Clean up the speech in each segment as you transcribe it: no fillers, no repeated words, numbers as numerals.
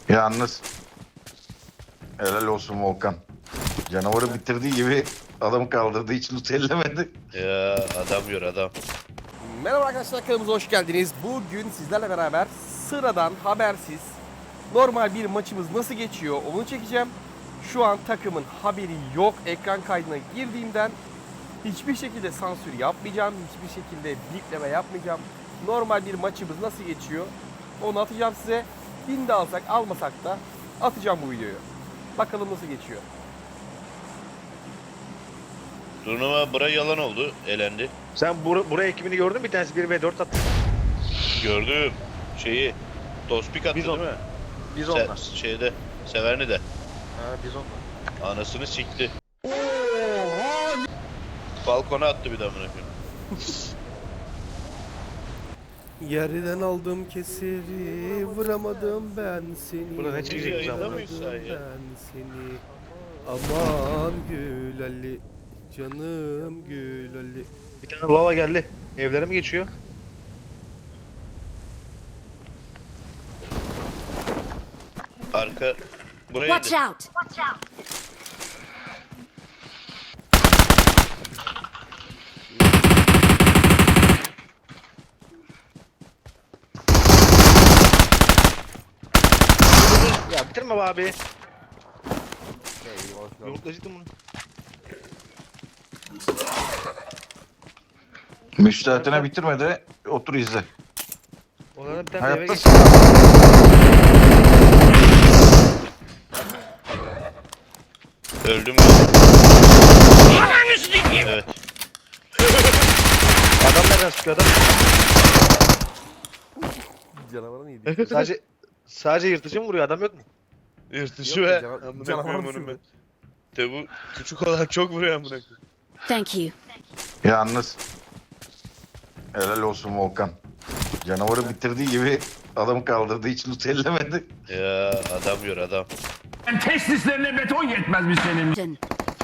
Yalnız helal olsun Volkan. Canavarı bitirdiği gibi adamı kaldırdığı için utellemedi. Ya adam gör adam. Merhaba arkadaşlar, kanalımıza hoş geldiniz. Bugün sizlerle beraber sıradan, habersiz, normal bir maçımız nasıl geçiyor onu çekeceğim. Şu an takımın haberi yok. Ekran kaydına girdiğimden hiçbir şekilde sansür yapmayacağım. Hiçbir şekilde bipleme yapmayacağım. Normal bir maçımız nasıl geçiyor onu atacağım size. Bin de alsak almasak da atacağım bu videoyu. Bakalım nasıl geçiyor. Turnuva bura yalan oldu. Elendi. Sen buraya ekibini gördün mü? Bir tanesi 1v4 attı. Gördüm. Şeyi. Tospik attı Bizon. değil mi? Biz onlar. Şeyde. Severni de. Ha biz onlar. Anasını sikti. Balkona attı bir daha bırakıyorum. Yerden aldım keseri, vuramadım ben seni. Burada ne çekecek Yayında zaman? mıyız sen ya? Ben seni. Aman Gül Ali, canım Gül Ali. Bir tane lava geldi. Evlere mi geçiyor? Arka. Buraya Watch indi. out! Watch out! Ya bitirme be abi. Eyvah. Yumruklaştım bunu. Müstahitine bitirmedi. Otur izle. Onlardan bir tane eve Hayatta geç. Öldüm. Evet. Adam nereden sıkıyor adam? Canavarı neydi? Sadece yırtıcı mı vuruyor? Adam yok mu? Yırtıcı Yok ve ya, amına canavar koyayım mısın onu ben. De bu küçük olan çok vuruyor amına koyayım. Thank you. Yalnız helal olsun Volkan. Canavarı bitirdiği gibi adamı kaldırdığı için utellemedi. Ya adam gör adam. Testislerine beton yetmezmiş senin. Done.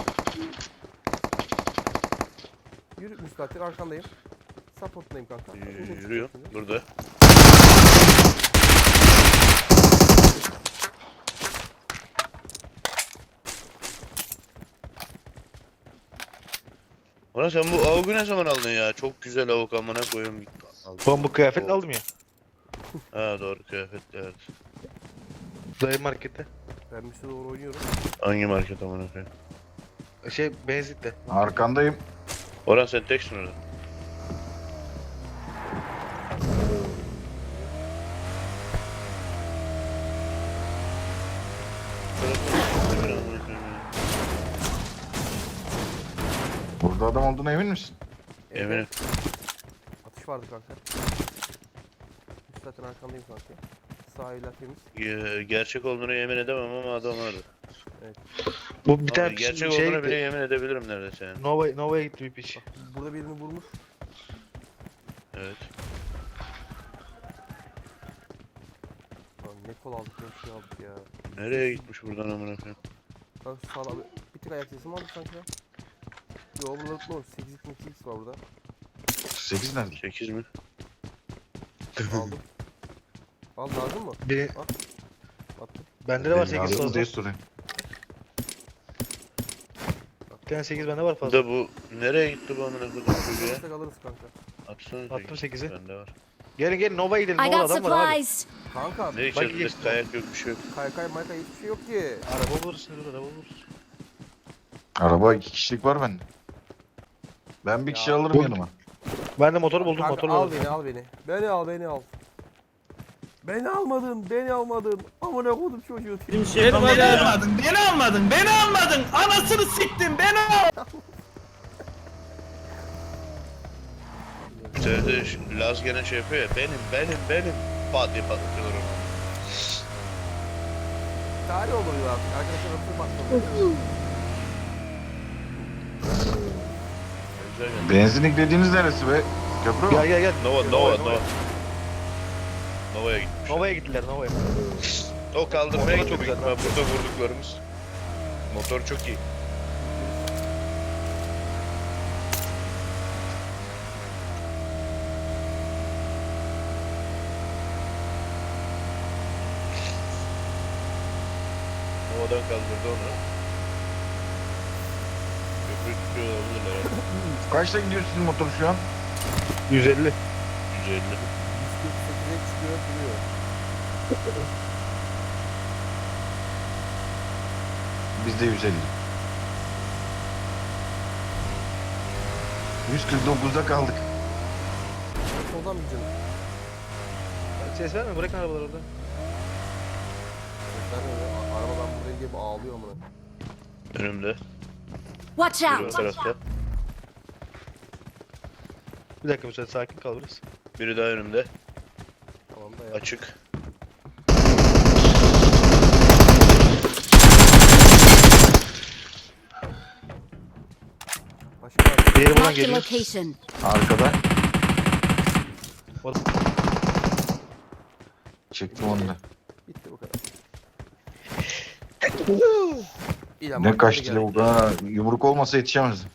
Yürü müstakil, arkandayım. Support'tayım kanka. Yürüyor burada. Ulan sen bu avugu ne zaman aldın ya? Çok güzel avuk amına koyayım. Ben bu kıyafetle aldım ya. Ha doğru kıyafetli evet. Dayı markette. Vermişe doğru oynuyorum. Hangi market amına koyayım? Benzinlikte. Arkandayım. Orhan sen teksin orada. Burada adam olduğuna emin misin? Eminim. Atış vardı kanka. Müstakil arkandayım kanka. Sağ evler temiz. Gerçek olduğunu yemin edemem ama adam vardı. Bu bir Abi, tane gerçek olduğunu bile yemin edebilirim neredeyse yani. Nova'ya gitti bir piç. Burada birini vurmuş. Evet. Lan ne kol aldık ne şey aldık ya. Nereye gitmiş buradan amına koyayım? Kanka şu sağda bir tık ayak sesi mi aldık sanki ya? Yo burada unutma 8x var burada. 8 nerede? 8 mi? Aldım. Al lazım mı? Bir, Attım. bende de var Benim 8 ağzımı diye fazla. soruyorum. Bir tane 8 bende var Bu fazla. da bu nereye gitti bu amına koyayım çocuğa? Destek alırız kanka. Atsana Attım 8'i. Bende var. Gelin Nova'ya gidelim. I Nova'da got adam var abi. supplies. Kanka Ne içeceğiz biz? geçtim. Kayak yok bir şey yok. kaykay mayka hiçbir şey yok ki. Araba bulursun araba bulursun. Araba 2 kişilik var bende. Ben bir kişi alırım bu- yanıma. Ben de motor buldum Kanka, motor al buldum. beni al beni. Beni al beni al. Beni almadın. Amına koydum çocuğu. Beni almadın. Anasını siktin, beni al. İşte Laz gene şey yapıyor ya. Benim. Pat diye patlatıyorlar onu. Tarih oluyor artık. Arkadaşlar nasıl başladı? Güzel geldi. Benzinlik dediğiniz neresi be? Köprü mü? Gel. Nova. Nova'ya gitmiş. Nova'ya gittiler Nova'ya. O kaldırmaya Motor gitti çok büyük güzel. ihtimal burada vurduklarımız. Motor çok iyi. Havadan kaldırdı onu. Köprü tutuyor olabilirler abi. Kaçta gidiyor sizin motor şu an? 150. 150. 148'e çıkıyor duruyor. Bizde 150. 149'da kaldık. Soldan mı canım? Ses verme, bırakın arabalar orada. Sesler ne ya? Arabadan buraya gelip ağlıyor amına. Önümde. Watch Biri o out! tarafta. Bir dakika müsaade, sakin kal biraz. Biri daha önümde. Tamam da ya. Açık. Başka var. Diğeri buradan Mark the geliyor. location. Arkada. O- Çektim onu da. Bitti bu kadar. İyi lan, Ne markete kaçtı geldik. bu kadar. Yumruk olmasa yetişemezdim.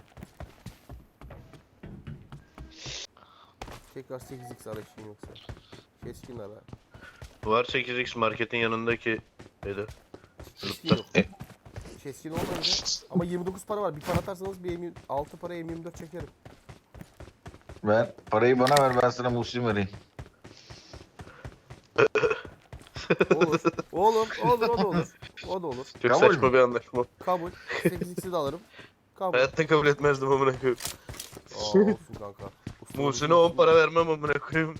Tekrar 8x arayışın yoksa. Keskin ara. Var 8x marketin yanındaki dedi. Keskin yok. Keskin olmayınca. Ama 29 para var. Bir para atarsanız bir 6 para M24 çekerim. Ben parayı bana ver, ben sana Muslim vereyim. Olur. Olur. O da olur. O da olur. Çok Kabul saçma mü? bir anlaşma. Kabul. 8x'i de alırım. Kabul. Hayatta kabul etmezdim amına koyayım. Aa, olsun kanka. Usta Muhsin'e olsun. 10 para vermem amına koyayım.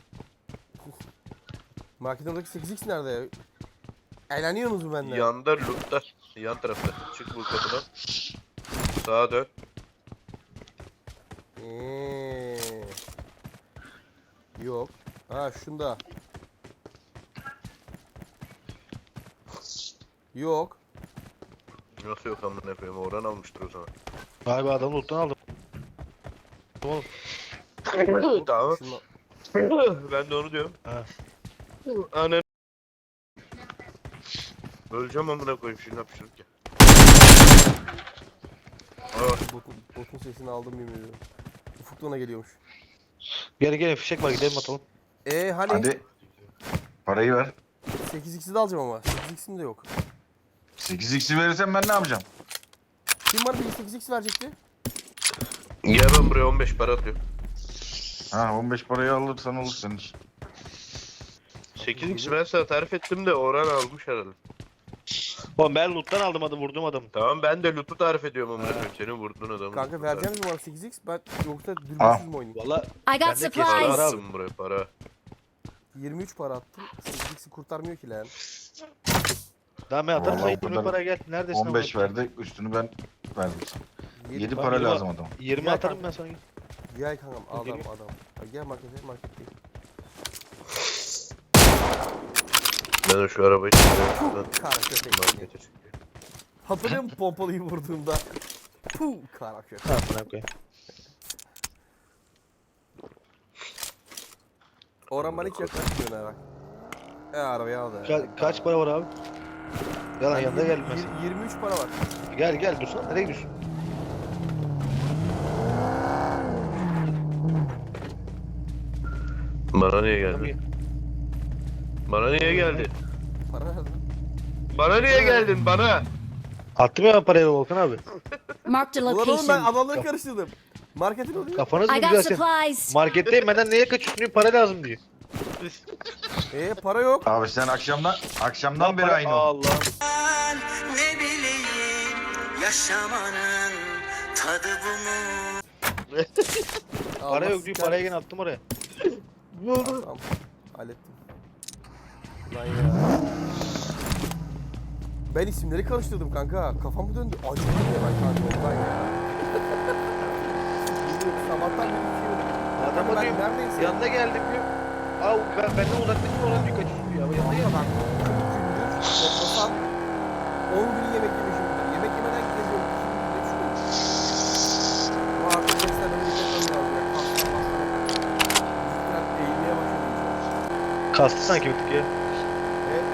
Marketindeki 8x nerede ya? Eğleniyorsunuz mu benden? Yanda loot'ta. Yan tarafta. Çık bu kapıdan. Sağa dön. Yok. Ha şunda. Yok. Nasıl yok amına koyayım? Orhan almıştır o zaman. Galiba adamı loot'tan aldım. Oğlum. Tamam. Şunda. Ben de onu diyorum. Ha. Annen. Öleceğim amına koyayım şimdi hapşırırken. Botun sesini aldım yemin ediyorum. Ufuk da ona geliyormuş. Gelin fişek var, gidelim atalım. Hani Hadi. Parayı ver. 8x'i de alacağım ama. 8x'im de yok. 8x'i verirsen ben ne yapacağım? Kim bana bir 8x verecekti? Gel ben buraya 15 para atıyorum. Ha 15 parayı alırsan olur senin için. 8x ben sana tarif ettim de Orhan almış herhalde. Oğlum ben loot'tan aldım adamı, vurdum adamı. Tamam ben de loot'u tarif ediyorum amına koyayım. Senin vurduğun adamı. Kanka vereceğiniz mi bana 8x? Ben yoksa Ah. dürbünsüz mü oynayayım? Valla I got Ben de Para supplies. attım buraya para. 23 para attım. 8x'i kurtarmıyor ki lan. daha ben atarım, Vallahi sana o 20 kadar- para gel. Neredesin? 15 amına? verdi, üstünü ben verdim sana. 7 Ben para yirmi- lazım adama. 20 Gel atarım kanka. ben sana. Gel kankam adam Geliyor. adam. Ha, gel marketteyim. Ben de şu arabayı çıkarıyorum. Kara köpek. Markete çıkıyor. Hatırlıyor musun pompalıyı vurduğumda? Puh kara köpek. Ha bana koyayım. Orhan bana hiç yaklaşmıyor ne bak. Arabayı al da. Kaç para var abi? Yalan yanında Yirmi- gelmez. 23 para var. Gel dursana, nereye gidiyorsun? Bana niye geldi? Bana niye geldi? Para nerede? Bana niye geldin bana? Attım ya ben parayı Volkan abi. Marked a Ulan oğlum ben location. adamları karıştırdım. Marketin oluyor. Kafanız mı I got güzel sen? supplies. Marketteyim, benden neye kaçıyorsun diyor, para lazım diyor. Para yok. Abi sen akşamdan Lan beri para- aynı oldu. Allah. Ne bileyim yaşamanın tadı bu mu? Para yok diyor, parayı gene attım oraya. Tamam. Hallettim. Lan ya. Ben isimleri karıştırdım kanka. Kafam döndü. Acıdım ya ben kanka ondan ya. Sabahtan beri içiyorum. Adama Ben diyorum, neredeyse. yanına geldim diyor. Aa benden uzaklaşın, oradan diyor kaçıyorsun diyor. Ama yanına Ama geldim. ben 40 gündür toplasan 10 gün yemek yemişimdir. Yemek yemeden geziyorum. Şimdi de şunu. Bu artık beslenme bir lazım ya. Pasta pasta. Biraz eğilmeye başladım. Kastı sanki bir tık ya. Evet.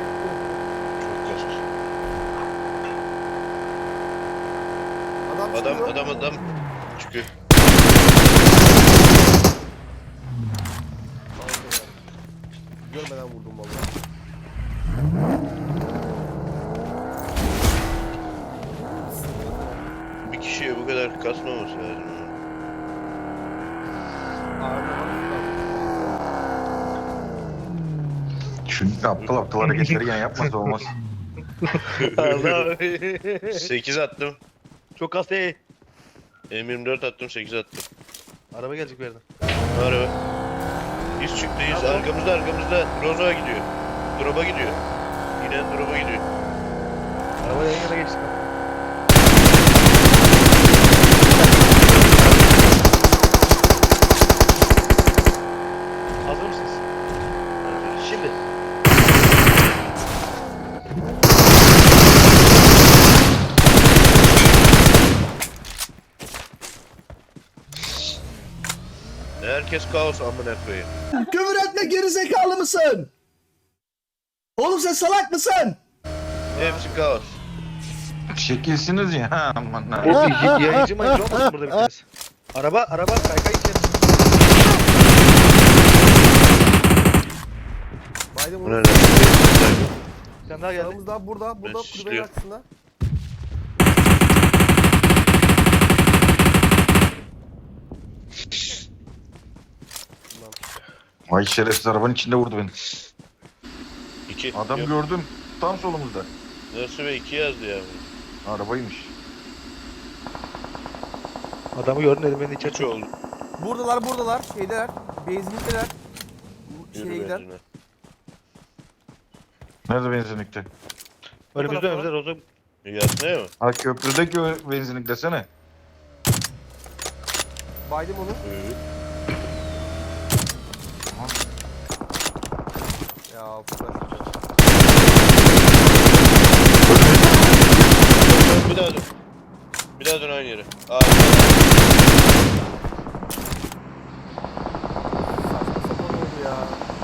Adam çıkıyor. Adam çıkıyor. Görmeden vurdum vallahi. kasmaması lazım. Şu aptal aptal hareketleri yan yapmasa olmaz. Allah. 8 attım. Çok az değil. M24 attım 8 attım. Araba gelecek bir yerden. Araba. Biz çıktıyız. Arkamızda. Rozo'ya gidiyor. Drop'a gidiyor. İnen drop'a gidiyor. Araba yan yana geçtik. Hazır mısınız? Şimdi. Herkes kaos amına koyayım. Küfür etme gerizekalı mısın? Oğlum sen salak mısın? Hepsi kaos. Şekilsiniz ya. Aman ha. O yayıncı mayıncı olmasın burada bir tanesi. Araba kaykay içeri. Baydım Bu onu. ne? Bir tane daha geldi. Sağımızda burada Ben kulübenin şişliyorum. arkasında. Vay şerefsiz arabanın içinde vurdu beni. 2. Adam gördüm. Tam solumuzda. Nasıl be 2 yazdı ya. Arabaymış. Adamı gördün elim beni içeri. 3 oldu. Buradalar. Şeydeler. Benzinlikteler. Şeye Yürü gider. benzine. Nerede benzinlikte? Önümüzde Rozo. Yatmaya mı? Ha köprüdeki o benzinlik desene. Baydım onu. Evet. Ya flash. Bir daha dön. Bir daha dön aynı yere. Aa, Saçma sapan oldu ya.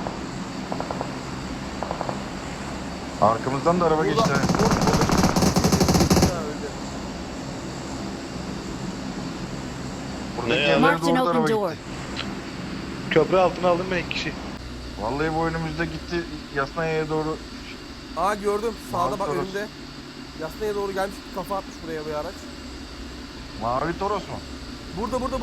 Arkamızdan da araba geçti. ha. Ya öldü. Buradaki Ne ya? yerlere Marked an doğru da araba open door. gitti. Köprü altına aldım ben 2 kişi. Vallahi bu önümüzde gitti. Yasnaya'ya doğru. Aa gördüm. Sağda bak Toros. önümde. Yasnaya doğru gelmiş. Kafa atmış buraya bir araç. Mavi Toros mu? Burada lan.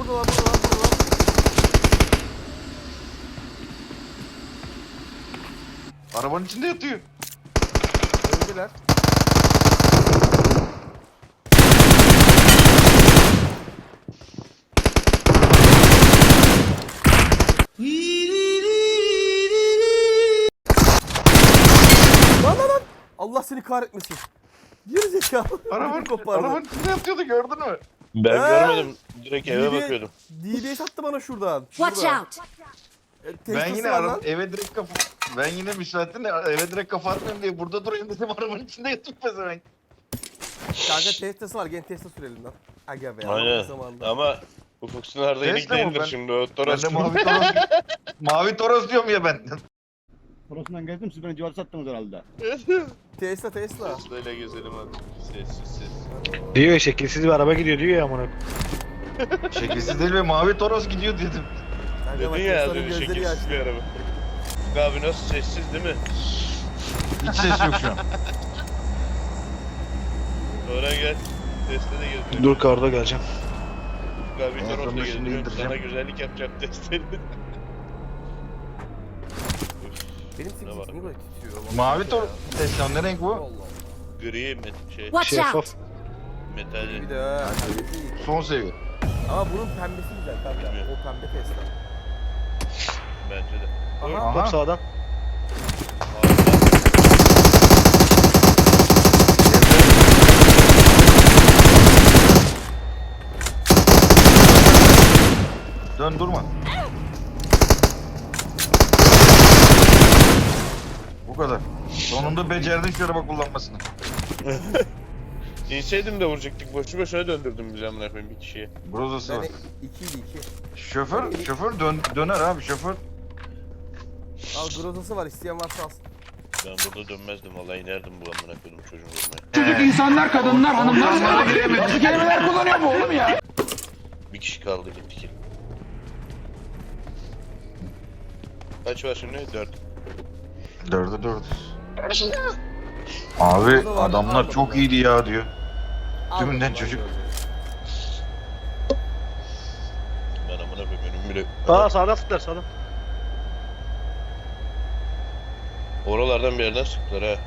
Arabanın içinde yatıyor. Öldüler. Lan. Allah seni kahretmesin. Geri zekalı. Arabanın kopardı. içinde yatıyordu gördün mü? ben görmedim. Direkt eve DBS bakıyordum. DBS attı bana şuradan. Watch Şurada. out! Ben Testosu yine var lan. eve direkt kafa... Ben yine müsaadenle eve direkt kafa atmayayım diye burada durayım dedim arabanın içinde yatıp pezevenk. Kanka testası var. Gel testa sürelim lan. Aga be. Aynen. Zamanında. Ama Ufuk Sınar'da Tesla yenik mı değildir ben? şimdi o Ben Toros. de mavi Toros... mavi Toros diyorum ya ben. Toros'undan gezdim siz beni civarı sattınız herhalde. Tesla. Tesla ile gezelim hadi. Sessiz. Diyor şekilsiz bir araba gidiyor diyor ya amına. Şekilsiz değil ve mavi Toros gidiyor dedim. Kanka bak Dedin ya az Tesla'nın önce gözleri şekilsiz yaşlı. bir araba. Ufuk abi nasıl sessiz değil mi? Hiç ses yok şu an. Oraya gel. Tesla de geziyor. Dur karda geleceğim. Ufuk abi En Toros'la sonunda şimdi gezdiriyorum. indireceğim. Sana güzellik yapacağım Tesla'yı. Benim Ne var? sesim niye böyle titriyor? Allah Mavi Allah Toros. ya. Tesla ne renk bu? Allah. Gri şey Watch Şeffaf. out! metalli. Bir de ha, pembe değil. Son seviye. Ama bunun pembesi güzel kanka. O pembe Tesla. Bence de. Aha. Top sağdan. Dön durma. Bu kadar. Sonunda becerdin şu araba kullanmasını. İnseydim de vuracaktık. Boşu boşuna döndürdüm bizi amına koyayım bir kişiye. Brozası var. Yani 2'ydi 2. Şoför döner abi şoför. Al grozası var isteyen varsa alsın. Ben burada dönmezdim vallahi inerdim bu amına koydum çocuğu vurmaya. Çocuk insanlar, kadınlar, hanımlar sana giremez. Bu kelimeler kullanıyor mu oğlum ya? Bir kişi kaldı gittik. Kaç var şimdi? 4. 4'e 4. Abi adamlar çok iyiydi ya diyor. Tümünden Almadım çocuk. lan Şöyle. Aa sağdan sıktılar sağdan. Oralardan bir yerden sıktılar ha.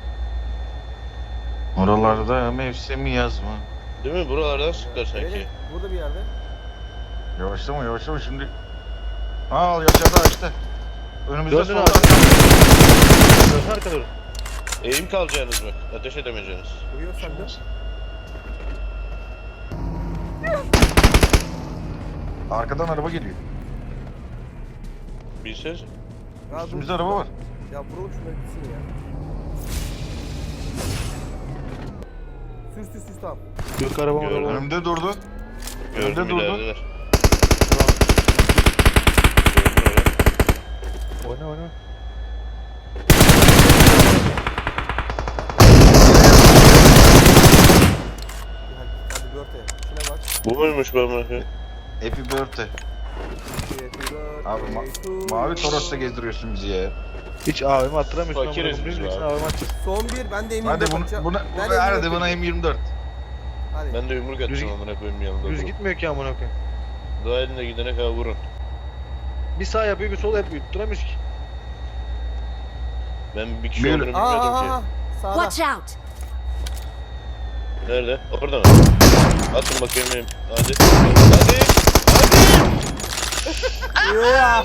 Oralarda mevsimi yaz mı? Değil mi? Buralardan sıktılar sanki. Evet, burada bir yerde. Yavaşlama yavaşlama şimdi. Al yaşadı açtı. Önümüzde Döndün solda. abi. Dönsün arka doğru. Eğim kalacaksınız bak. Ateş edemeyeceksiniz. Uyuyor sende. Arkadan araba geliyor. Bilseniz. Üstümüzde araba var. Ya vuralım şunları gitsin ya. Süs tamam. Yok arabama Gördüm. doğru. Önümde durdu. Gördüm Önde durdu. ilerideler. Oyna oyna. Hadi birthday. Şuna bak. Bu muymuş ben bakayım? Happy birthday. Happy birthday Abi to mavi you. Toros'ta gezdiriyorsun bizi ya. Hiç AVM attıramıyorsun. Fakiriz amına biz koyayım. be Birisi abi. AVM atacak. Son bir. Ben de eminim. Hadi hadi buna M24. Hadi. Ben de yumruk atacağım amına koyayım yanında. Düz durup. gitmiyor ki amına koyayım. Daha elinde gidene kadar vurun. Bir sağ yapıyor bir sol yapıyor. Tutturamıyoruz ki. Ben bir kişi Yürü. olduğunu bilmiyordum ki. Watch Sağda. out! Nerede? Orada mı? Atın bakayım benim. Hadi. Hadi. Ya.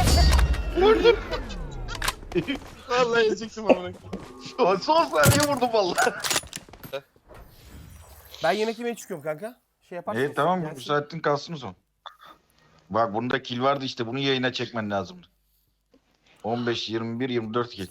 Vallahi yiyecektim amına koyayım. Son saniye vurdum vallahi. Ben yemek yemeye çıkıyorum kanka. Şey yaparsın. İyi tamam bu Gelsin. saatin kalsın o zaman. Bak bunda kill vardı işte bunu yayına çekmen lazımdı. 15, 21, 24 kill.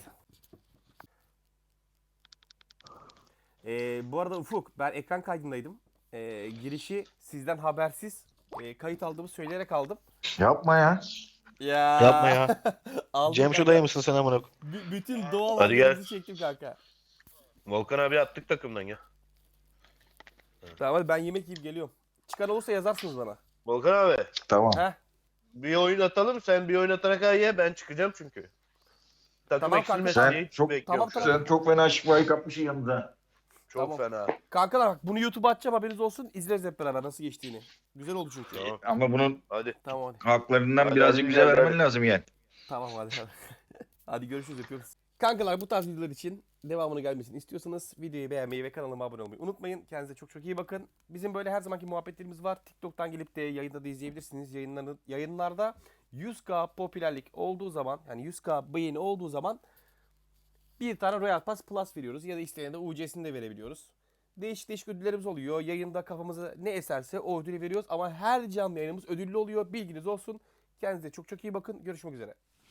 Bu arada Ufuk, ben ekran kaydındaydım. Girişi sizden habersiz kayıt aldığımı söyleyerek aldım. Yapma ya. Ya. Yapma ya. Aldım Cem şu kanka. dayı mısın sen amına koyayım? Bütün doğal Hadi gel. hallerinizi çektim kanka. Volkan abi attık takımdan ya. Tamam hadi ben yemek yiyip geliyorum. Çıkan olursa yazarsınız bana. Volkan abi. Tamam. Heh. Bir oyun atalım. Sen bir oyun atana kadar ye. Ben çıkacağım çünkü. Takım Tamam eksilmesin kanka. diye Sen hiç çok- bekliyorum Tamam, şu an. Sen çok fena şifayı kapmışsın yanında. Çok fena. Kankalar bak bunu YouTube'a atacağım haberiniz olsun. İzleriz hep beraber nasıl geçtiğini. Güzel oldu çünkü. Tamam. Ama bunun Hadi. Tamam hadi. haklarından Hadi, birazcık hadi, bize hadi. vermen lazım yani. Tamam hadi. Hadi görüşürüz yapıyoruz. Kankalar bu tarz videolar için devamını gelmesini istiyorsanız videoyu beğenmeyi ve kanalıma abone olmayı unutmayın. Kendinize çok çok iyi bakın. Bizim böyle her zamanki muhabbetlerimiz var. TikTok'tan gelip de yayında da izleyebilirsiniz. Yayınlarda 100K popülerlik olduğu zaman yani 100K beğeni olduğu zaman bir tane Royal Pass Plus veriyoruz. Ya da isteyene de UC'sini de verebiliyoruz. Değişik değişik ödüllerimiz oluyor. Yayında kafamıza ne eserse o ödülü veriyoruz. Ama her canlı yayınımız ödüllü oluyor. Bilginiz olsun. Kendinize çok çok iyi bakın. Görüşmek üzere.